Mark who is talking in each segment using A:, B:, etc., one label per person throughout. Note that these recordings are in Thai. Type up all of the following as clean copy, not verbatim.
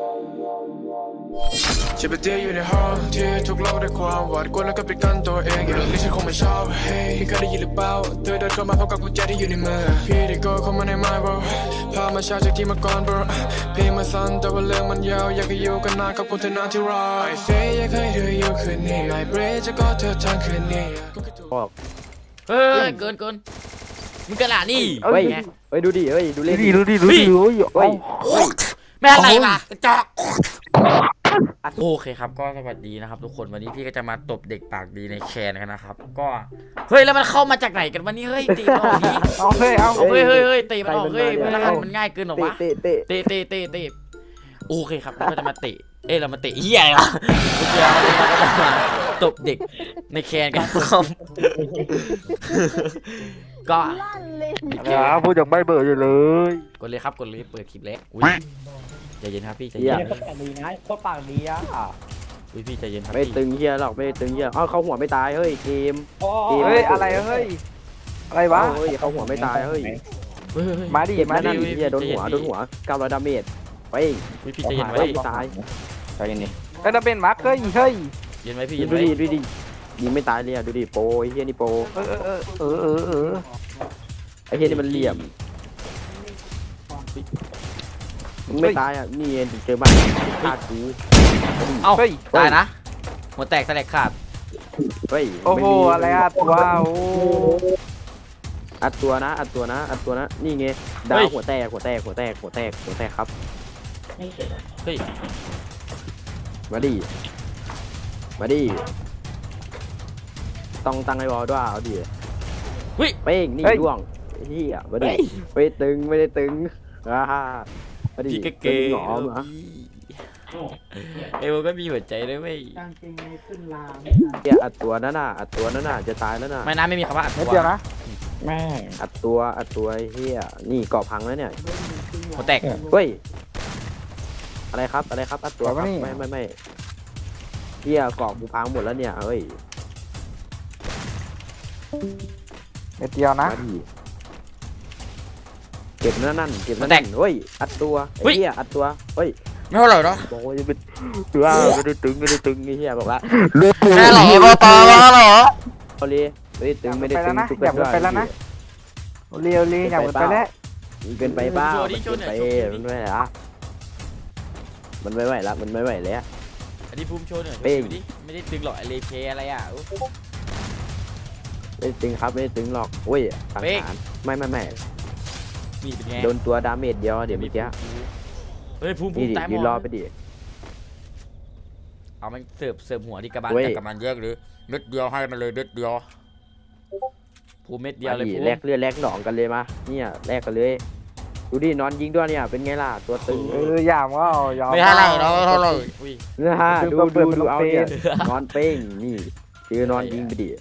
A: จะไปเที่ยวอยู่ในห้องที่ทุกโลกได้ความหวาดกลัวแล้วก็ปิดกั้นตัวเองอย่างนี้ฉันคงไม่ชอบเฮ้ยพี่เคยได้ยินหรือเปล่าเธอเดินเข้ามาพร้อมกับกุญแจที่อยู่ในมือพี่ได้โกเข้ามาในไม้ bro พามาช้าจากที่มาก่อน bro พี่มาสั้นแต่ว่าเรื่องมันยาวอยากให้อยู่กันนานกับคุณเธอนานที่รอ I say อยากให้เธออยู่คืนนี้ My break จะกอดเธอทั้งคืนนี้
B: เฮ้ยเกินมึงกระหล่ำนี่
C: เฮ้ยดูดิเฮ้ยดูเล่น
D: ดูดิเฮ้ย
B: แม่อะไรล่ะกระจอกโอเคครับก็สวัสดีนะครับทุกคนวันนี้พี่ก็จะมาตบเด็กปากดีในแคนกันนะครับก็เฮ้ยแล้วมันเข้ามาจากไหนกันวันนี้เฮ้ยตีมันออกนี้เฮ้ยตีมันออกเฮ้ยมันง่ายเกินหรอวะเตะโอเคครับเราก็จะมาเตะเรามาเตะเหี้ยอะไรวะตบเด็กในแคนกันครับก็
D: พูดจากใบเบอร์อยู่เลย
B: กดเลยครับกดเลยเปิดคลิปแล้วใจเย็นครับพี่ใจ
C: เย็
B: น
C: โคตรปากดีนะโคตรปากดีอ่ะ
B: พี่ใจเย็นครับ
C: ไม่ตึงเฮียหรอกไม่ตึงเฮียเขาหัวไม่ตายเฮ้ยเกม
D: เฮ้ยอะไรเฮ้ยอะไรวะ
C: เฮ้ยเขาหัวไม่ตายเฮ้ย
D: มาดิ
C: เฮียโดนหัว900ดาเมจไป
B: พี่ใจเย็นไว้
C: ตาย
D: ใจเย็นดิก็จะเป็นมาร์คเฮ้ย
B: เย็นไว้พี่
C: ดูดิยิงไม่ตายเลยอ่ะดูดิโปไอ้เฮียนี่โปไอ้เฮียนี่มันเหลี่ยมไม่ตายอ่ะนี่เจอบ้านฆ่ากู
B: เอ้าตายนะหัวแตกแสลกขาด
C: เฮ้ย
D: โอ้โหอะไรอ่ะว้าว
C: อัดตัวนะนี่ไงดาวหัวแตกครับ
B: เฮ้ย
C: มาดิต้องตั้งไอ้บอลด้วยเอาดิเป้งนี่ร่วงเฮียมาดิไม่ได้ตึงมาดิ
B: เก่ง
C: หงอมอ่ะ
B: โก็มีหัวใจด้วยไม่
C: เฮียอัดตัวนั่นน่ะจะตายแล้วน่ะ
B: ไม่มีคำว่าอัดตัว
D: นะ
C: แม่อัดตัวเฮียนี่เกาะพังแล้วเนี่ย
B: หัวแตก
C: เฮ้ยอะไรครับอัดตัวไม่เฮียเกาะกูพังหมดแล้วเนี่ยเฮ้ย
D: เดียวนะ
C: เก็บนั่นเฮ้ยอัดตัวเฮียอัดตัวเฮ้ย
B: ไม่เท่าไหร่เนาะ
C: บอกว่าจะเป็นว่าไม่ได้ตึงนี่เฮียบอกว่า
B: แม่หล่อตาหล่อ
C: เอาเลยไม่ได้ตึง
D: อย่าไปแล้วนะเรียวอย่าไปแล้ว
C: เกินไปเปล่ามันไม่ไหวละมันไม่ไหวแล้ว
B: อันนี้ภูมิโชว์หน่อยดิไม่ได้ตึงหรอกเลเพอะไรอ่ะ
C: ไม่ตึงครับไม่ตึงหรอกโอ้ยสังหารไม่
B: นี่เป็นไง
C: โดนตัวดาเมจเดียวเดี๋ยวเมื่อกี้
B: เฮ้ยภูมิตายหมด
C: รอไปดิ
B: เอามันเสิร์ฟหัวที่กระบาลกับมันแยกหรือเม็ดเดียวให้มันเลยเม็ดเดียวภูมิเม็ดเดียวเลย
C: แลกเลือดแลกหนองกันเลยมาเนี่ยแลกกันเลยดูดินอนยิงด้วยเนี่ยเป็นไงล่ะตัวตึง
D: อย่างว่า
B: ไม่เท่าไหร่เท่าไหร่
C: ดูเอาเนี่ยนอนเป้งนี่คือนอนยิงไปดิ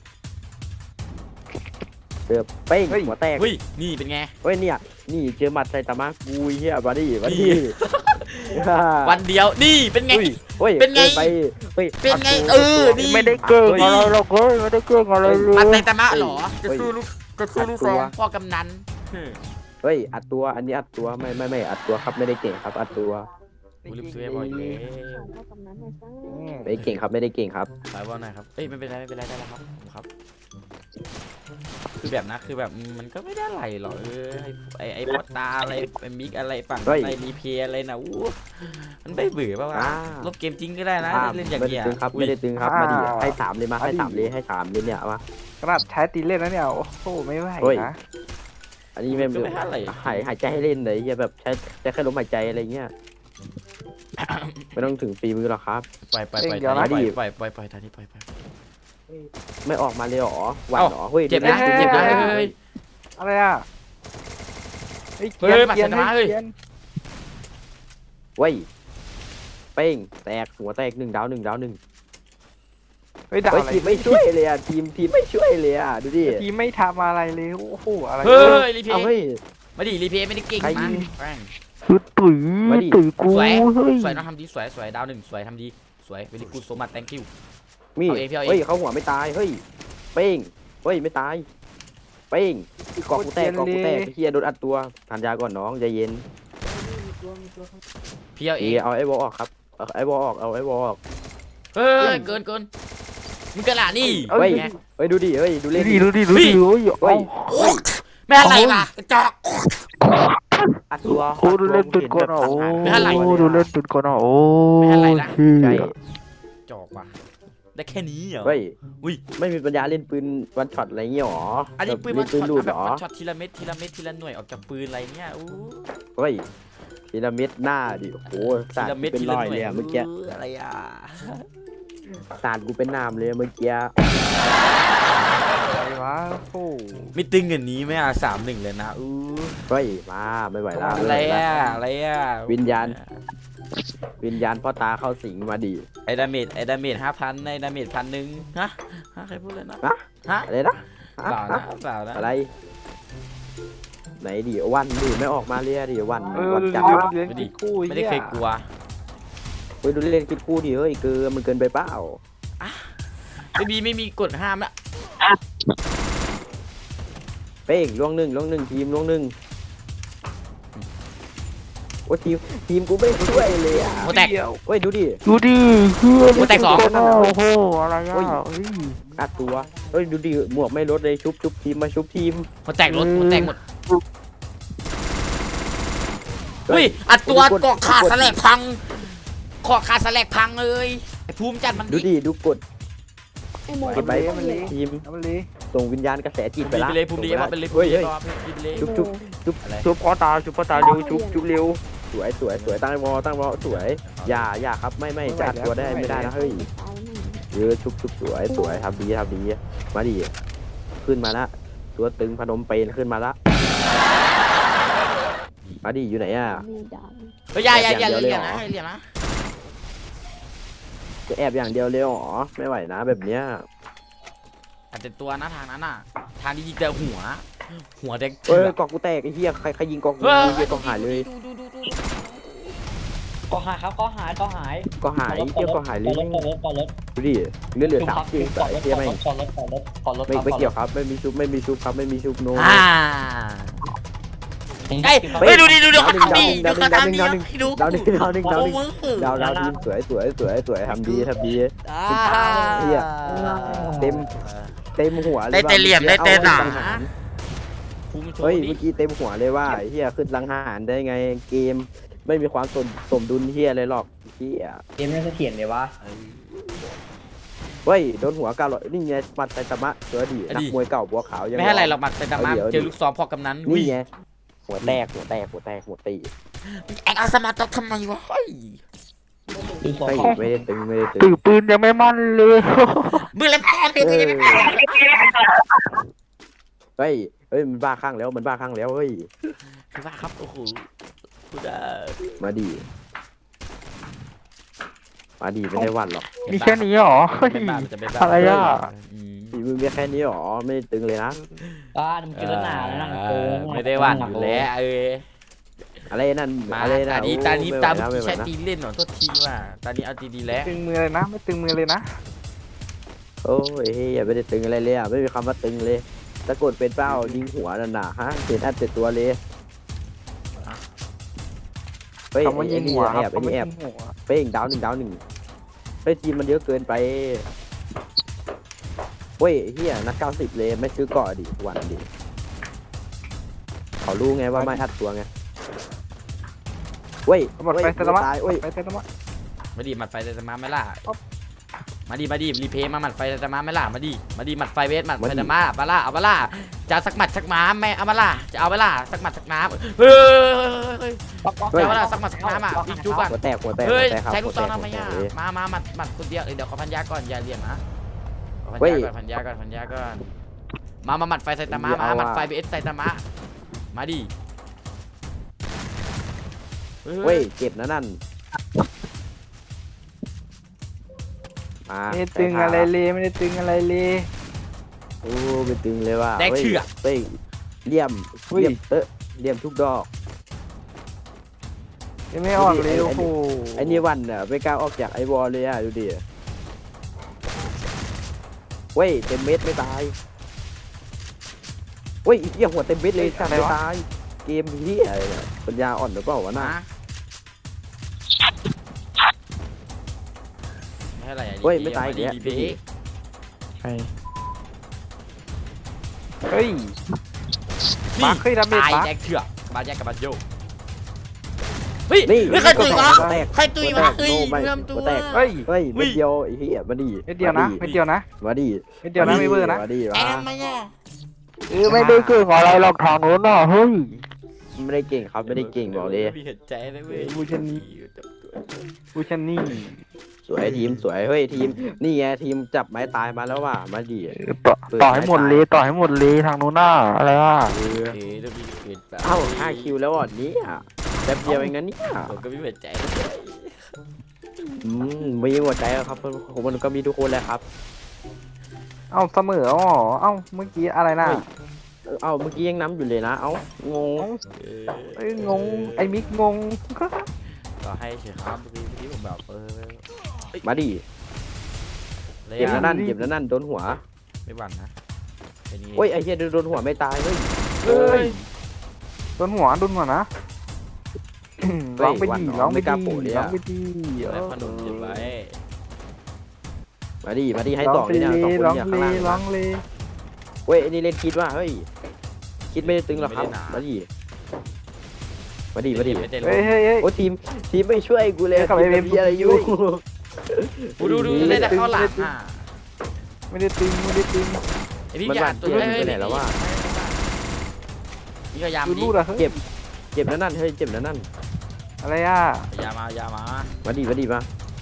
C: เสือเป้งหัวแตก
B: นี่เป็นไง
C: เนี่ยนี่เจอหมัดใส่ตามากูเฮียมาดิ
B: วันเดียวนี่เป็นไงเป็นไงนี่
D: ไม่ได้เก่งอะไรหรอกไม่ได้เก่งอะไรเลย
B: มันใส่ตามาหรอจะสู้ลูกซองพ่อกำนัน
C: เฮ้ยอัดตัวอันนี้อัดตัวไม่อัดตัวครับไม่ได้เก่งครับอัดตัว
B: ลืมซื้อบ่อยเลย
C: ไม่เก่งครับไม่ได้เก่งครับ
B: ไปว่าหน่อยครับไม่เป็นไรได้แล้วครับคือแบบนะคือแบบมันก็ไม่ได้อะไรหรอกไอ้พอตาอะไรไอ้มิกอะไรฝั่งไอ้รีเพย์อะไรนะมันไม่เบื่อป่าวลบเกมจริงก็ได้นะเล่นอย่างเงี้ย
C: ไม่ได้ตึงครับมาดิให้3เลยมาให้3เลยเนี่ยมา
D: ขนาดใช้ตีเล่นนะเนี่ยโอ้โหไม่ไหวนะ
C: อันนี้ไม่หายใจให้เล่นเลยอย่าแบบใช้แค่ลมหายใจอะไรเงี้ยไม่ต้องถึงฝีมือหรอกครับ
B: ไปทางนี้ไป
C: ไม่ออกมาเลยหรอหวานหรอเฮ้ย
B: เจ็บนะเฮ้ย
D: อะไรอ่ะ
B: เฮ้ยมาเสนาเฮ้ย
C: เว้ยเป้งแตกหัวแตก1 ดาว
D: เฮ้ย
C: ทีมไม่ช่วยเลยอ่ะทีมไม่ช่วยเลยอ่ะดูดิ
D: ทีมไม่ทำอะไรเลยโอ้โหอะไร
B: เฮ้ยรีเพย์มาดิรีเพย์ไม่ได้เก่งมาก
D: ตุ๋ยกู
B: สวยน้องทำดีสวยดาว1สวยทำดีสวยเวลิกูโซมัต thank you
C: มีเฮ้ยเขาหัวไม่ตายเฮ้ยเป้งเฮ้ยไม่ตายเป้งกอกกูแตกเฮียโดนอัดตัวทานยาก่อนน้องใจเย็น
B: พี่เอาเอ
C: เอง เอาไอ้วอลออกครับเอาไอ้วอลออกเอาไอ้วอลออก
B: เฮ้ยเกินมึงกระหล่ำนี่
C: เฮ้ย
B: ไง
C: เฮ้ยดูดิเฮ้ยดูเล่น
D: ดูดิโอ้ย
C: เฮ้ย
B: ไม่อะไรวะกระจอก
C: อัดตัว
D: โอ้ดูเล่นตุนก่อนโอ้ดูเล่นตุนก่อนโอ้
C: ใช่
B: จอกว่ะได้แค่นี้เหรอ
C: เฮ้ย
B: อุ้ย
C: ไม่มีปัญญาเล่นปืนวันช็อตอะไรเงี้ยหรอ
B: อันนี้ปืน
C: เล่
B: มัน
C: นปืนลูด
B: แบ
C: ห
B: บ
C: รอ
B: มันช็อตทีละเม็ดทีละหน่วยออกจากปืนอะไรเงี้ยอู้
C: เฮ้ยทีละเม็ดหน้าดิโอ้โห
B: ที
C: สาด
B: ละเม็ด
C: เป็น
B: ที
C: ร
B: ละ
C: อย
B: หน่ว
C: เลย ยอะเมื่อกี้
B: อะไรอ่ะ
C: สาดกูเป็นน้ำเลยเมื่อกี้
D: อะไรวะโอ้
B: ไม่ตึงอย่างนี้ไหมอ่ะ3-1เลยนะอู้
C: เฮ้ยมาไม่ไหวแล้ว
B: อะไรอ่ะอะไรอ่ะ
C: วิญญาณพ่อตาเข้าสิงมาดิ
B: ไอ้ดาเมจ5,000ไอ้ดาเมจ1,000ฮะใครพูดเลยนะ
C: ฮะ
B: ฮะ
C: อะไรนะ
B: เปล่านะเปล่านะ
C: อะไรไหนดิวันดิไม่ออกมาเลยดิวัน
D: ดู
C: วันจับ
D: เล่นกี่คู่
B: ไม่ได้เคยกลัว
C: เฮ้ยดูเล่นคิดคู่ดิเฮ้ยมันเกินไปเปล่า
B: ไม่มีกฎห้ามละ
C: เป้งล่วงหนึ่งทีมล่วงหนึ่งโอ้ทีมกูไม่ช่วยเลยอ่ะ
B: โมแตก
C: เฮ้ยดูดิ
D: ดูดิเพื่อน
B: โอ้แตกสอง
D: โอ้โหอะไรอ่ะ
C: อัดตัวเฮ้ยดูดิหมวกไม่ลดเลยชุบทีมมาชุบทีม
B: โมแตกรถโมแตกหมดเฮ้ยอัดตัวเกาะขาดสแลกพังเกาะขาดสแลกพังเลยไอ้ภูมิจัดมัน
C: ดูดิดูกด
E: ไอ้โม
C: กดไปทีม
D: มันเลย
C: ส่งวิญญาณกระแสจิตไป
B: ไป
C: ละ
B: เลยภูมิดีว่าเป็นเลยภู
C: เฮ้
B: มิ
C: ย
B: ดี
C: เฮ้ย
B: รอภูมิเลย
C: ชุบ
D: ชุบพ่อตาเร็วชุบเร็ว
C: สวยตั้งวอสวยอย่าครับไม่จะอัดตัวได้ไม่ได้นะเฮ้ยเยอะชุบสวยทำดีมาดิขึ้นมาละตัวตึงพนมเปญขึ้นมาละมาดิอยู่ไหนอ่ะ
B: เฮ้ยอย่าเหลี่ยมนะเหลี่ยมนะ
C: จะแอบอย่างเดียวเลยหรอไม่ไหวนะแบบเนี้ย
B: อาจจะตัวนะทางนั้นน่ะทางที่ยิงแต่หัวแดง
C: เอ้ยกอกกูแตกไอ้เหี้ยใครยิงกอกกูเหี้ยกอกหายเลย
F: ก็หายครับก็หาย
C: ก็หายเหี้ยกอกหายเลย
F: ก่อนรถ
C: ดูดิเหลือ3 ทีม
F: ก่อนร
C: ไอ้
F: ถ
C: เหี้ยไม่
F: ก่อนรถ
C: ไม่เกี่ยวครับไม่มีชุบครับไม่มีชุบโน
B: เฮ้ยดูเขาทำดีดูเขาทำดีดู
C: ดาวหนึ่งดาวทีมสวยทำดีเหี้ยเต็มหัวเลย
B: ได้แต่เหลี่ยมได้แต่หนาภูมิโช
C: เฮ้ย
B: ว์
C: เมื่อกี้เต็มหัวเลยว่าเฮียขึ้นลังหารได้ไงเกมไม่มีความสมดุลเฮียเลยหรอกเฮีย
F: เกมน่าจะเถียนเลยวะ
C: เฮ้ยโดนหัว900นี่ไงมัดไซตามะตัวดีนักมวยเก่าบัวขาวยัง
B: ไม่ให้อะไรหรอกมันแต่ดามาเจอลูกซ้อมพอกำนัน
C: นี่ไงหัวแตกหัวตี
B: แอคสมาร์ททำไมวะเฮ้ย
F: ดูสอง
C: เฮ้ยไม่ได้ตึง
D: ถือปืนยังไม่มั่นเลย
B: มือเล่นแพ้เลยมือเล่นแพ้
C: เฮ้ยมันบ้าข้างแล้วเฮ้ย
B: คือว่าครับโอ้โหพูดได้
C: มาดีไม่ได้วันหรอก
D: มีแค่นี้หรออะไรอ่ะ
C: ฝีมือมีแค่นี้หรอไม่ตึงเลยนะ
F: มันกินแล้วหนาแล้วนั่งโกง
B: ไม่ได้วันอยู่แล้ว
C: อะไรนั่น
B: มา
C: อะไรนะ
B: ตานี้ตา
C: ไม่ไหว
B: ใช้
C: นะ
B: ตีเล่นหน่อยโทษทีว่าตานี้เอาดีๆแล้ว
D: ตึงมือเลยนะไม่ตึงมือเลยนะ
C: โอ้ยอย่าไปได้ตึงอะไรเลยอ่ะไม่มีคำว่าตึงเลยตะโกนเป็นเป้ายิงหัวนั่นน่ะฮะเห็นอัดเสร็จตัวเลยเฮ้ย
D: คำว่ายิงหัวครับ
C: ไอ้นี่แอบเป้งดาวหนึ่งเฮ้ยทีมมันเยอะเกินไปเฮ้ยเฮียนัก90เลยไม่ซื้อเกาะดิวันดิเขารู้ไงว่าไม่อัดตัวไงเฮ้ย
D: หมดไปเซตามะ
C: ตายเฮ้ย
D: ไปเซตามะ
B: มาดิหมัดไฟแต่มาไม่ล่ะมาดิรีเพย์มาหมัดไฟแต่มาไม่ล่ะมาดิหมัดไฟเวสหมัดไฟแต่มาปะล่ะเอาปะล่ะจะสักหมัดสักม้าแม่เอาปะล่ะจะเอาปะล่ะสักหมัดสักน้ำเฮ้ยจะเอาปะล่ะสักหมัดสักน้ำอ่ะยิงจุ๊บอ่ะ
C: หัวแตก
B: เฮ้ย
C: ครับ
B: ใช้ลูกซอง
C: หัว
B: ทำไมอ่ะ
C: หัวแตก
B: มาหมัดคนเดียวเดี๋ยวขอพันยาก่อนอย่าเรียงนะพันยาก่อนมาหมัดไฟไซตามะมาหมัดไฟเบสไซตามะมาดิ
C: เฮ้ยเจ็บนะนั่นมา
D: ไม่ได้ตึงอะไรเลยไม่ได้ตึงอะไรเลย
C: โอ้ไปตึงเลยว่ะ
B: แดกเถื่อ
C: เฮ้ยเลี่ยมทุกดอก
D: ยังไม่ออกเลยโอ้โห
C: ไอ้นี่วันอ่ะไม่กล้าออกจากไอวอลเลยอ่ะดูดิเว้ยเต็มเม็ดไม่ตายเว้ยอีกเหี้ยหัวเต็มเม็ดเลยสั่นไม่ตายเกมเหี้ยอะไรเนี่ยปัญญาอ่อนหรือเปล่าวะน่ะ
B: มาท่าไหร่อะ
C: เฮ้ยไม่ตายอีกแล้ว
B: รีเพย์
D: ใช่เฮ้ย มาร์คเฮ้ยดาเมจ
B: ตาย
D: มาร์ค
B: แจ็คเถื่อกมาแจ็คกับบัตโยเฮ้ย
C: นี่
B: เฮ้ยใครตุยวะ
C: แตก
B: ใครตุยวะเฮ้ย
C: ไม่
B: เริ่มตัว
C: แตก
D: เฮ้ย
C: เฮ้ยเม็ดเดียวไอ้เหี้ยมาดิ
D: เม็ดเดียวนะเม็ดเดียวนะ
C: มาดิ
D: เม็ดเดียวนะไม่เบอร์นะ
C: มาดิ
B: ไอ้
C: มา
B: ทำไมอ่ะ
D: ไม่ได้เก่งอะไรหรอกทางโน้นน่ะเฮ้ย
C: ไม่ได้เก่งครับไม่ได้เก่งบอกเลย
B: มีเห็นใจเลยเว้ย
D: บูชันนี่ บูชันนี่
C: สวยทีมสวยเฮ้ยทีมนี่ไงทีมจับไม้ตายมาแล้วว่ะมาดิ
D: ต่อให้หมดเลยต่อให้หมดเลยทางโน้นน่ะอะไรอ่ะ
C: เออ
B: เฮ้ยเริ่มมีเห็นใจ
C: เอ้า5 คิวแล้วอ่ะเนี่ยแป๊บเดียวเองนะเนี่ย
B: ผมก็มีเห็นใจ
C: มีหัวใจแล้วครับผมมันก็มีทุกคนแหละครับ
D: เอ้าเสมออ๋อเอ้าเมื่อกี้อะไรน่ะ
C: เอ้าเมื่อกี้ยังน้ำอยู่เลยนะเอ้างง
D: เอ้ยงงไอ้มิกงง
B: ก็ให้เฉยครับเมื่อกี้ผมแบบ
C: มาดิ
B: เลย
C: เจ็บ
B: อะ
C: แล้วนั่นโดนหัว
B: ไม่บันนะเป็นไง
C: โอ้ยไอ้เหี้ยโดนหัวไม่ตายเฮ้ย
D: เอ้ยโดนหัวนะร้องไปดีร้องไปดีร้องไปดี
B: แล้วพนมเก็บไว้
C: มาดิให้ต่อเลยเนี่ยสองคน
D: ร้อง
C: เนี่ย
D: เล
C: ข้างล่าง
D: ร้องเลย
C: เว้ยไอ้นี่เล่นคิดว่าเฮ้ยคิดไม่ได้ตึงหรอกครับมาดิ
B: ไม่ได้ล
D: เฮ้ย
B: ง
D: เฮ้ยเฮ้ย
C: โอ้ทีมไม่ช่วยกูเลย
D: เอ้ยกลับไป
C: ทีมมีอะไรอยู่
B: กูดูเล่นแต่เข้าหลังอ่ะ
D: ไม่ได้ตึงไม่ได้ตึง
B: ไอพี่
C: มัน
B: อย่า
C: บั่น
B: ตัว
C: เกินไปไหนแล้ววะ
B: พี่พยายาม
D: ดู
B: ดิ
D: รูดอะเฮ้ย
C: เจ็บแล้วนั่นเฮ้ยเจ็บแล้วนั่น
D: อะไรอ่ะ
B: อย่ามา
C: มาดิมา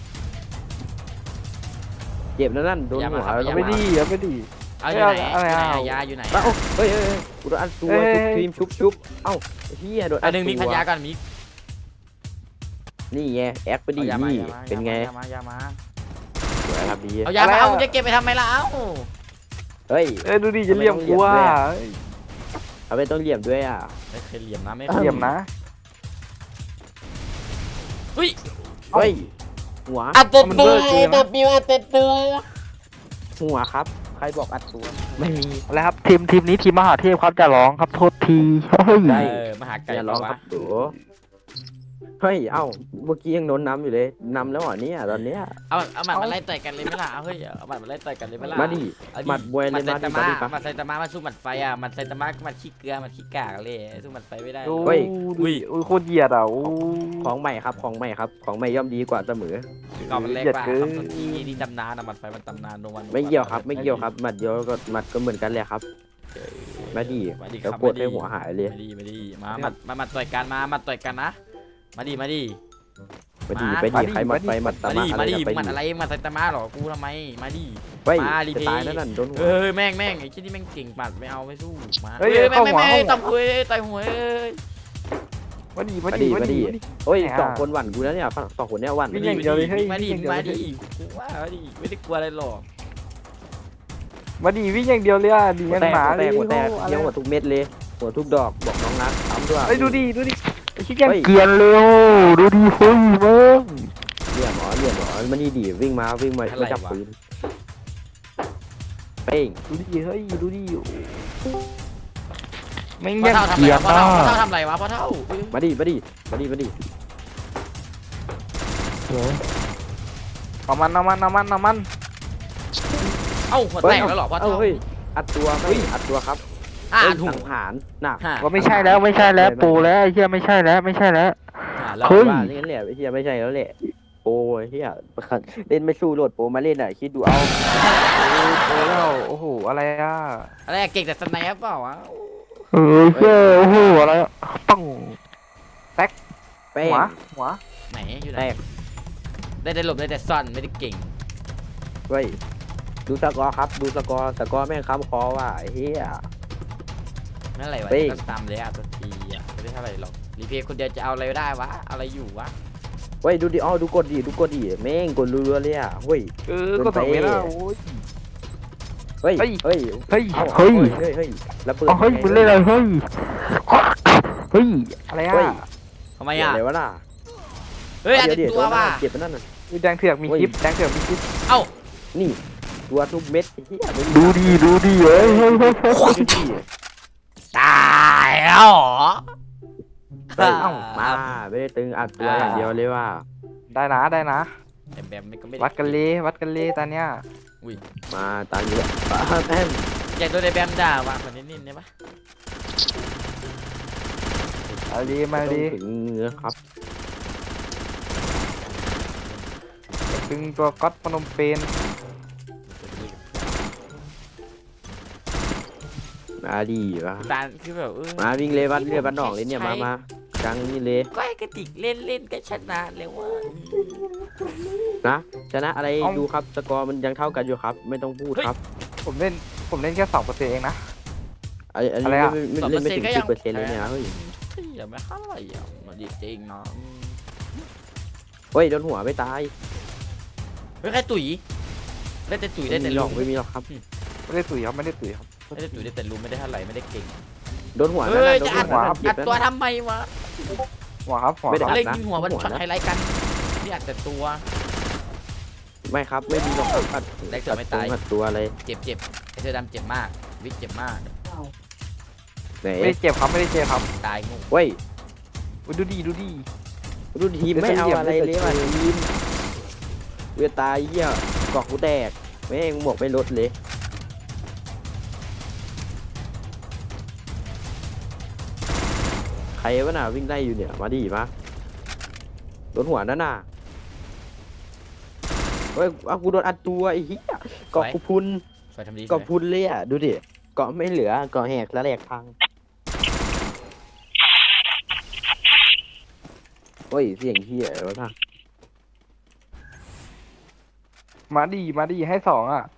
C: เจ็บแล้วนั่นโดนหัว
D: เอาไปดีเอาไปดี
B: เอาอยู่ไหน
D: อะไรอ่ะ
B: ยาอยู่ไหน
C: เอ้าเฮ้ยกูโดนอัดตัวทีมชุบเอ้าเฮียโดน
B: อันหนึ่งมิกพันยาก่อนมิก
C: นี่ไงแอคไปดิ
B: เอายามา
C: นี่เป็นไง
B: ยามา
C: สวยครับดี
B: เอายามาเอาจะเก็บไปทำไมล่ะเอ้า
C: เฮ้ย
D: เอ้ยดูดิจะเลี่ยมกูว่า
C: เอาไปต้องเหลี่ยมด้วยอ่ะ
B: ไม่เคยเหลี่ยมนะไม่
D: เลี่ยมนะ
B: เฮ้ย
C: เฮ้ยหัว
B: อัดตัวตัวตัวปิวอัดตัว
C: หัวครับ ใครบอกอัดตัวไม่มี
D: อะไรครับทีมนี้ทีมมหาเทพครับจะร้องครับโทษทีเฮ้ย
C: ได้
B: มหาไก่
C: อย่าร้องครับโดเฮ้ยเอ้าเมื่อกี้ยังโดนน้ำอยู่เลยน้ำแล้วเหรอเนี่ยตอนเนี้ย
B: เอาหมัดมาไล่ต่อยกันเลยไหมล่ะเฮ้ยเอาหมัดมาไล่ต่อยกันเลยไหมล่ะ
C: มาดิหมัดมวย
B: ห
C: เล
B: มัด
C: ย
B: ไซ
C: มาดิ
B: ตามะ
C: มาดิครับ
B: หมัดไซตามะมาสู้หมัดไฟอ่ะหมัดไซตามะหมัดขี้เกลือหมัดขี้กากเลยสู้หมัดไฟไม่ได้
D: ดู
C: เฮ้ย
D: โคตรเหยียดอ่ะโอ้
C: ของใหม่ครับของใหม่ย่อมดีกว่าเสมอ
B: ก่อนมันเล็ก
D: เหยียด
B: กว่า
D: เกิน
B: คำต้นที่นี่ตำนานอะหมัดไฟมันตำนานโดนวัน
C: ไม่เกี่ยวครับหมัดเดียวก็หมัดก็เหมือนกันเลยครับมาดิ
B: มาดิค
C: แล้
B: รั
C: ว
B: บ
C: กดให้หัวหายเลย
B: มาดิมาหมัดต่อยกันมาต่อยกันนะมาดิ
C: ไปดิ
B: มา
C: ใครหมัดไฟหมัดตา
B: มา
C: มา
B: ดิ
C: อะไร
B: มาดิ
C: นะไป
B: หมัด
C: ดิ
B: อะไรหมัดไซตามะหรอกูทำไมมาดิ
C: เฮ้ย
B: มารี
C: จะ
B: เพย์
C: ตายแล้วนั่นโดนหัว
B: เออแม่งไอ้ที่นี่แม่งเก่งปัดไม่เอาไม่สู้มา
D: เฮ้ย
B: แม่
D: เข้าหัว
B: ต่อยหัวต่อยหัว
D: มาดี
C: เฮ้ยสองคนหวั่นกูแล้วเนี่ยสองคนเนี้ยหวั่น
D: วิ่งอย่างเดียวเลยเฮ้ย
B: มาดิ
D: วิ่งอย่างเดียวเลย
B: กูว่ามาดิไม่ได้กลัวอะไรหรอก
D: มาดีวิ่งอย่างเดียวเลยอ่ะดี
C: หัว
D: งั้น
C: แตก
D: หมา
C: หัวแตกเยี่ยวหัวทุกเม็ดเลยหัวทุกดอกบอกน้องนัททำด้วย
D: เฮ้ยดูดิขี้เกียจเร็วดูดิเฮ้ยเบิ้ง
C: เหลี่ยมหรอมันนี่ดีวิ่งมาไม่จับปืนเป้ง
D: ดูดิเฮ้ยดูดิไม่
B: พ่อ
D: ยัง
B: เท่าทำ
D: เกีย
B: อะไร
D: จ
B: พ่อ
D: นะ
B: เท่าทำอะไรวะพ่อเท่า
C: มาดิ
D: เอามัน
B: เอ้าหัวแตกแล้วหรอพ่อเท่า
C: เฮ้ยอัดตัวอัดตัวครับ
B: ถูก
C: สังหารน่ะ
D: ว่าไม่ใช่แล้วปูแล้วไอ้เหี้ยไม่ใช่แล้ว
B: แล้ว
D: เฮ้ย
C: ว่าอย่างนั้นแหละไอ้เหี้ยไม่ใช่แล้วแหละโอ้ยเหี้ยเล่นไม่สู้โหลดโปรมาเล่นอ่ะคิดดูเอา
D: โอ้แล้วโอ้โหอะไรอ่ะ
B: อะไรเก่งแต่สไนป์เปล่าวะ
D: เฮ้ยโอ้โหอะไรปัง
C: แป้ง
D: หัว
B: ไหนอยู่ไหน
C: แตก
B: ได้แต่หลบได้แต่ซ่อนไม่ได้เก่ง
C: เฮ้ยดูสกอร์ครับดูสกอร์แม่งค้ำคอว่ะไอ้เหี้ย
B: นั่นอะไรวะก็ตามเลยตัวทีอ่ะไม่ได้เท่าไหร่หรอกรีเพย์คนเดียวจะเอาอะไรได้วะอะไรอยู่วะ
C: เฮ้ยดูดิดูกดดิแม่งกดรัวๆเลยอ่ะเฮ้ย
D: ก็สองเมตรแล้วโอ้ย
C: เฮ้ย แล้วปืน
D: เฮ้ยมึงเล่นอะไรเฮ้ยอะไรอ่ะ
B: ทำไมอ่ะ
C: อะไรวะล่ะ
B: เฮ้ยอันตัวว่ะ
C: เจ็บไปนั่นน่ะ
D: แดงเถือกมีคลิป
B: เอ้า
C: นี่ตัวทุกเม็ดไอ้เหี้ย
D: ดูดิเฮ้ย
B: ตายแล้วหรอ
C: มาไม่ได้ตึงอัดตัวอย่างเดียวเลยว่า
D: ได้นะ
B: แต่แบบมันก็ไม่ได้
D: วัดกันเลยตอนเนี้ย
B: อุ้ย
C: มาตามเยอะแม่ง
B: อยากโดนไอ้แบมด่าว่ะคนนี้นิ่มได้ปะ
D: มาดีมา
C: ต้อง
D: ดี
C: ถึงเนื้อครับ
D: ดึงตัวก๊อตพนมเปญ
C: มาดีวะ
B: ตาคือแบบ
C: มาวิ่งเลยวัดเรือบ้านนอกเลยเนี่ยมากลางนี่เลย
B: ก็ไอ้กระติกเล่นก็ชนะแล้วว่า
C: นะชนะอะไรดูครับสกอร์มันยังเท่ากันอยู่ครับ ไม่ต้องพูดครับ
D: ผมเล่นแค่2%เองนะ
C: อันนี้
D: อะไรอะ
C: ไม่เล่นไม่ถึง10%เลยเนี่ยเฮ้ย
B: อย่าไม่เข้าอะไรอ่ะมันดีจริงเนาะ
C: เฮ้ยโดนหัวไม่ตาย
B: เฮ้ยใครตุ๋ยได้แต่ตุ๋ยได้แต่
C: หล
B: ลุ
C: อก
B: ม
C: ไม่มีหรอกครับ
D: ไม่ได้ตุ๋ยครับไม่ได้ตุ๋ยครับ
B: ได้แต่ตุ๋ยได้แต่ลุมไม่ได้เท่าไหร่ไม่ได้เก่ง
C: โดนหัว
B: เฮ้ย
C: โด
B: จะ
C: น
B: อัด
C: หัว
B: อัดตัวทำไมวะ
D: หัวครับหัว
C: ไม่ได้
D: ครับ
B: เล่นยิงหัวมันช็อตไฮไลท์กันนี่อัดแต่ตัว
C: ไม่ครับไม่มีหรอกครับอัด
B: ได้เกือบไม่ตาย
C: อัดตัวอะไร
B: เจ็บไอ้เสื้อดำเจ็บมากวิกเจ็บมาก
C: ไหน
D: ไม่ได้เจ็บครับไม่ได้เจ็บครับ
B: ตายงู
C: เฮ้ย
D: อุ๊ยดูดี
C: ดูทีมไม่เอาอะไรเลยว่ะทีมเวตายเหี้ยกอกกูแตกแม่งหมวกไม่ลดเลยใครวะน่ะวิ่งไล่อยู่เนี่ยมาดิมาโดนหัวนั่นน่ะเฮ้ยเอากูโดนอัดตัวไอ้เหี้ยเกาะกูพุน
B: สวยทำดี
C: เกาะพุนเลยอ่ะดูดิเกาะไม่เหลือเกาะแหกแล้วแหลกพังเฮ้ยเสียงเหี้ยวะท่า
D: มาดีให้2อ่ะ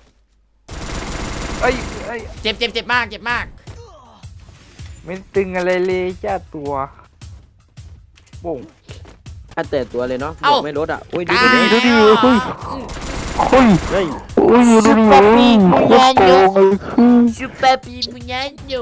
D: เอ้ย
B: เจ็บมาก
D: ไม่ตึงอะไรเลยจ้าตัวโป่ง
C: อัดแต่ตัวเลยเนาะหมวกไม่ลดอ่ะโอ้ยดู
B: ตาย
C: ดิ
D: เฮ้ย
C: เฮ้ย
B: ซุปเปอร์ปีมุญญาโยซุปเปอร์ปีมุญญาโย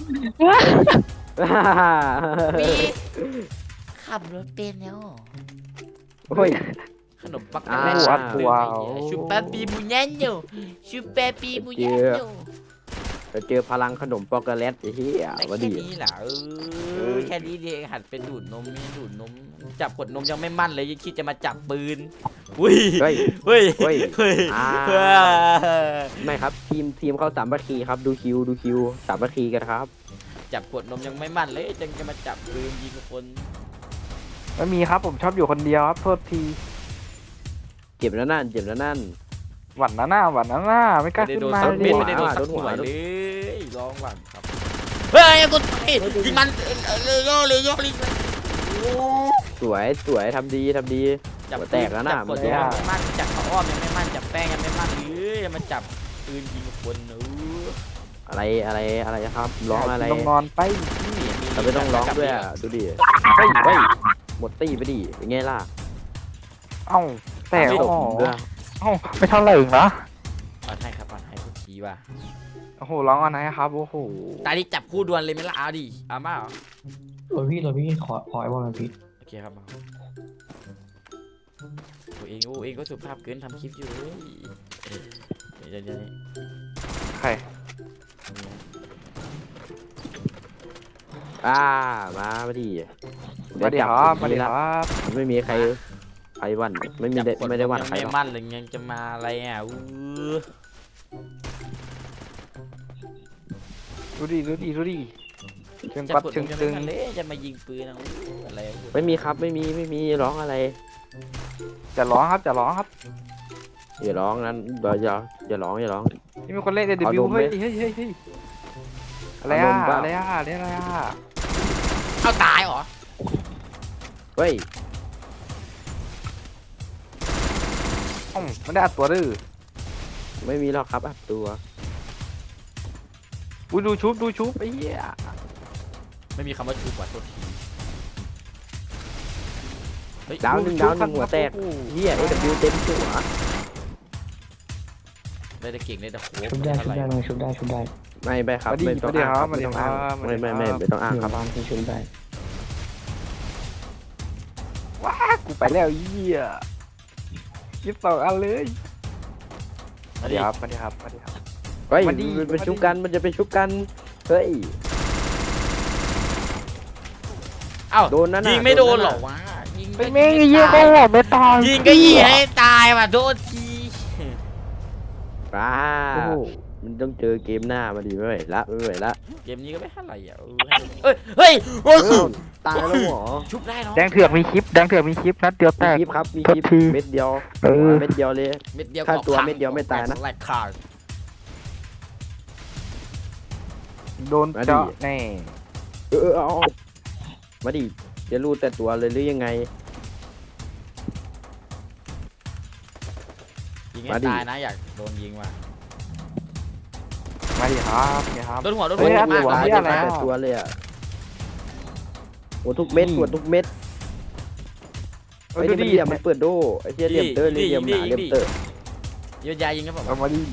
B: มีขับรถเป็นแล้ว
C: เฮ้ย
B: ขนมปัง
C: อ่า
B: แรก
D: อัดตัว
B: ซุปเปอร์ปีมุญญาโยซุปเปอร์ปีมุญญาโย
C: เราเจอพลังขนมปอกโกแลตไอ้เหี้ย
B: แค่
C: มาดิ
B: นี้เหรอแค่นี้เดียวหัดเป็นดูดนมนี่ดูดนมจับกดนมยังไม่มั่นเลยยังคิดจะมาจับปืนอุ้ย
C: เฮ้ย
B: เฮ้ย
C: เฮ้ย
B: เฮ้ย
C: อ่า ไม่ครับทีมเขาสามัคคีครับดูคิวสามัคคีกันครับ
B: จับกดนมยังไม่มั่นเลยจังจะมาจับปืนยิงคน
D: ไม่มีครับผมชอบอยู่คนเดียวครับโทษที
C: เจ็บแล้วนั่น
D: หวั่นนะหน้าไม่กล้า
B: ไม่ได้
D: ขึ้น
B: โดน
D: มา
B: สัก
D: เล
B: เม็ด
D: ย
B: ไม่ได้โดนสัก
C: โดนหั
B: หั
C: ว
B: วเลยร้องหวังครับเฮ้ยกูยิงมันเลยโยกลิง
C: สวยทำดี
B: จับ
C: หัวแตกแล้วนะ
B: จับกดนมยังไม่มั่นจับข้าวอ้อมยังไม่มั่นจับแป้งยังไม่มั่นหรือมาจับปืนยิงคน
C: อะไรครับร้องอะไร
D: ต้องนอนไป
C: เราไม่ต้องร้องด้วยอ่ะดูดิเฮ้ยหมดตีไปดิเป็นไงล่ะ
D: เอ้าแต่
C: ไม่
D: โอ้
C: จบ
D: โห
C: ด้วย
D: เอ้าไม่เท่าไหร่เองนะ
B: ปอนให้ครับปอนให้คุณชี้ว่ะ
D: โอ้โหร้องอันไหนครับโอ้โห
B: ตาดิจับคู่ดวลเลยไหมล่ะเอาดิเอามาเหรอ
F: เราพี่ขอไอ้บอลมันพี่
B: โอเคครับมาโอ้เองก็สุภาพเกินทำคลิปอยู่เลยเดี๋ยว
D: ใคร
C: มาดิ
D: มาดิครับมาดิครับ
C: ไม่มีใครวันไม่มีไม่ได้วันใคร
B: ไม่
C: หรอก
B: มั่นเลยยังจะมาอะไรอ่ะ
D: ดูดิเชิง
B: จะ
D: ปัด
B: กด
D: เชิง
B: ยัง
D: ตึ
B: ไม่
D: ง
B: มาเลยจะมายิงปืนอะไร
C: ไม่มีครับไม่มีร้องอะไร
D: จะร้องครับ
C: อย่าร้องนั้นอย่าร้อง
D: นี่มีคนเล่น
C: เอา
D: AW
C: นมไหม
D: เฮ้ยอะไร
C: เอาน
D: อ่ะ
C: มเปล่า
D: อะไรอ่ะ
B: เอาตายเหรอ
C: เฮ้ย
D: ไม่ได้อัดตัวดื้อ
C: ไม่มีหรอกครับอัดตัว
D: อุ้ยดูชุบไอ้เหี้ย
B: ไม่มีคำว่าชูกว่าตัวทีเฮ้ย
C: ดาวหนึ่งหัวแตกเฮีย AW เต็มหัว
B: ได้แต่เก่งได้แต่โห
F: ชุบได้
C: ไม่ไปครับไม่ต้องอ้างครับไม่ต้องอ้างไม่ต้องอ้างครับ
F: บ้านที่ชุบได้
D: ว้ากูไปแล้วเหี้ยยิบ2 อันเลย
B: มา
D: มา
B: ดิ
D: ดิครับ
C: เฮ้ย
D: มาดิ
C: มันเป็นชุบกันมันจะเป็นชุบกันเฮ้ย
B: เอ้า
C: โดนนั่นน่ะ
B: ยิงไม่โดน
C: โดนนั่น
B: หร
C: น่ะ
B: อวะยิงก็
D: แม่งไอ้เหี้ย
B: ตา
D: เขาบอกไม่ตาย
B: ยิงก็ยิงให้ตายว่ะโทษที
C: ป้า
D: โอ้โห
C: มันต้องเจอเกมหน้ามาดีไม่ไหวละไม่ไหวละ
B: เกมนี้ก็ไม่เท่าไหร่อ่ะเฮ้ยเฮ้ย
C: ตายแล้วหรอ
B: ชุบได้เนาะ
D: แดงเถือกมีคลิปนัดเดียวแต
C: มี
D: ก
C: คลิปครับมีคลิป
D: โทษที
C: เม็ดเดียว
D: เออ
C: เม็ดเดียวเลย
B: เม็ดเดียว
C: ถ้าตัว
B: ก็พัง
C: เม็ดเดียวไม่ตายนะ
B: แหลกขาด
D: โดนเจาะแน่
C: เอามาดิจะรู้แต่ตัวเลยหรือยังไง
B: ยิงให้
C: มาดิ
B: ตายนะอยากโดนยิงว่ะ
D: มาดิครับเนี่ยครับ
B: โดนหัวโดน
D: เฮ้
B: หัวย เจ็บมาก
D: หัว
B: ตาย
D: เหี้ย
B: เจ็บ
D: อะไร
B: มาก
D: อะ
C: แต่ตัวเลยอ่ะโอ้ทุกเม็ดปวดทุกเม็ด
D: เอ
C: ไอ้
D: อดู
C: นี่มัน
D: ดิ
C: เหลี่ยมมันเปิดโดไอ้เหี้ยเหลี่ยมเตอร์เหลี่ยมหนาเหลี่ยมเตอร์
B: โยนยายิงครับผม
D: เอามาดิ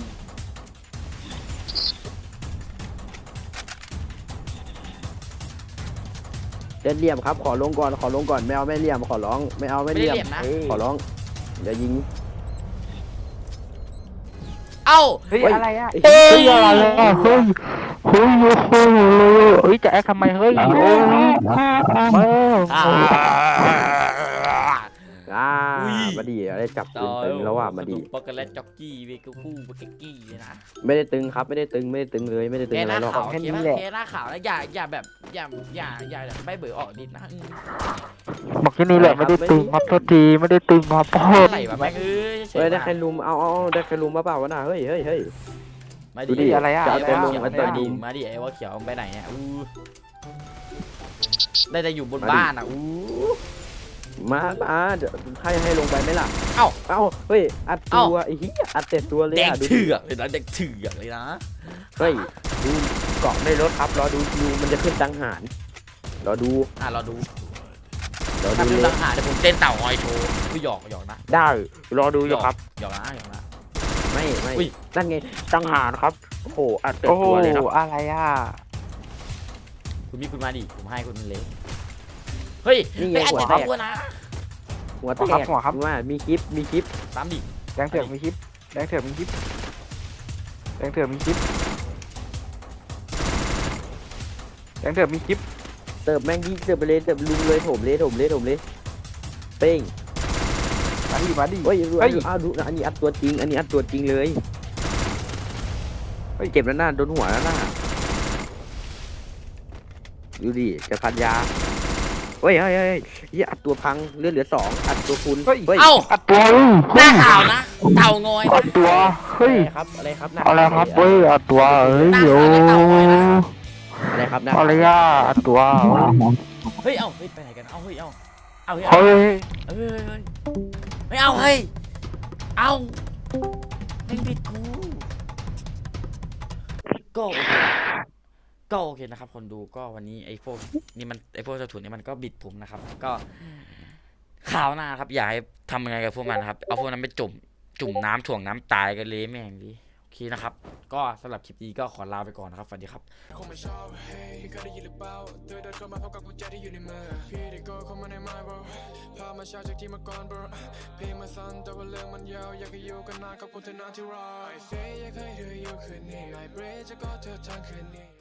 C: เล่นเหลี่ยมครับขอลงก่อนไม่เอาไม่เหลี่ยมขอร้องไม่เอาไม่
B: ไม่
C: เห
B: ได้
C: ลี่ยม
B: เหลี่ยมนะ
C: ขอร้องอย่ายิง
B: เอ้า
D: เฮ้ยอะไรอ่ะ
B: เฮ้ย
D: เฮ้ยอะไรอ่ะเฮ้ยเฮ้ยจะแอคทำไมเฮ้ยโอ้ย
B: อ่า อุ้ย
C: มาดิอะไรจับปืนตึงแล้วว่ามาดิ
B: ปอกโกแลตจ็อกกี้เวกูคู่เวกกี้เลยนะ
C: ไม่ได้ตึงครับไม่ได้ตึงเลยไม่ได้ตึง
B: แก
C: อะไร
B: หน้า
C: หรอก
B: ขาวเคหน้าขาวแล้วอย่าแบบอย่าไม่เบื่อออกดินะ
D: บอกแค่นี้แหละไม่ได้ตึงครับโทษทีไม่ได้ตึงครับพ่อ
B: อะไรวะแม่งเอ้ย
C: เฮ้ยได้ใครลุมเอาได้ใครลุมมาเปล่าวะน่ะเฮ้ย
B: มา
C: ดูดิ
B: ดิ
D: อะไรอ่ะ
C: จะเอาตัวลง
B: มา
C: มาตัว
B: ดิ
C: ดิ
B: มาดิไอ้ว่าเขียวไปไหนเนี่ยได้แต่อยู่บนบ้านอ่ะ
C: มาเดี๋ยวให้ลงไปไหมล่ะ
B: เอ้า
C: เฮ้ยอัดตัวไอ้เหี้ยอัดเต็มตัวเลย
B: แดง
C: อ่ะดูดิ
B: เถือกเลยนะแดงเถือกเลยนะ
C: เฮ้ยดูเกาะไม่ลดครับรอดูคิวมันจะขึ้นตังหารรอดู
B: เราดู
C: รอ
B: ถ้า
C: ดู
B: ดู
C: เล
B: หลั
C: ย
B: งหาเดี๋ยวผมเต้นเต่างอยโชว์พี่หยอกนะ
C: ได้รอดูอยู่ครับ
B: หยอกนะ
C: ไม่
B: อุ้ย
C: นั่นไงตังหารครับโอ้โหอัดเต็ม
D: โอ้โห
C: ตัวเลยครับ
D: อะไรอ่ะ
B: คุณมีคุณมาดิผมให้คุณเลยเฮ้ย
C: นี่ไง
B: ไม่อัน
C: หัว
B: เจ็บ
C: แตก
B: ตัวนะ
C: หัวแตกว่ามีคลิป
B: ตามดิ
D: แดงเถือกมีคลิปแดงเถือกมีคลิปแดงเถือกมีคลิปแดงเถือกมีคลิป
C: เติบแม่งยิงเติบไปเลยเติบลุงเลยโถมเลยเป้ง
D: มาดิ
C: เฮ้ย
D: เฮ้ย
C: ดูอันนี้อัดตัวจริงเลยเฮ้ยเจ็บแล้วหน้าโดนหัวแล้วหน้าดูดิจะพันยาเฮ้ยอัดตัวพังเลือดเหลือ2อัดตัวคุณ
D: เฮ้ย
B: เอ้า
D: อัดตัว
B: หน้าขาวนะเต่างอย
D: อั
B: นะ
D: ดตัวเฮ้ย
C: อะไรครับ
D: อะไรครับเฮ้ยอัดตัวเฮ้ยโอ้
C: อะไรครับ
D: อะไรอ่ะอัดตัว
B: เฮ้ยไปไหนกันเฮ้ย
D: เฮ้ย
B: ไม่เอาเฮ้ยไม่ผิดกูก็โอเคนะครับคนดูก็วันนี้ไอ้พวกเจ้าถุนนี่มันก็บิดผมนะครับก็ข่าวหน้าครับอยากให้ทำยังไงกับพวกมันครับเอาพวกนั้นไปจุ่มน้ำถ่วงน้ำตายกันเลยแม่งดิโอเคนะครับก็สำหรับคลิปนี้ก็ขอลาไปก่อนนะครับสวัสดีครับ
A: คงไม่ชอบเฮ้ยเคยได้ยินหรือเปล่าเธอเดินเข้ามาพร้อมกับกุญแจที่อยู่ในมือพี่ได้ก็เข้ามาในไม้ bro พามาเช้าจากที่มาก่อน bro เพลงมาสั้นแต่ว่าเรื่องมันยาวอยากให้อยู่กันนานกับคนเธอนานที่รอ I say อยากให้เธออยู่คืนนี้ I pray จะกอดเธอทั้งคืนนี้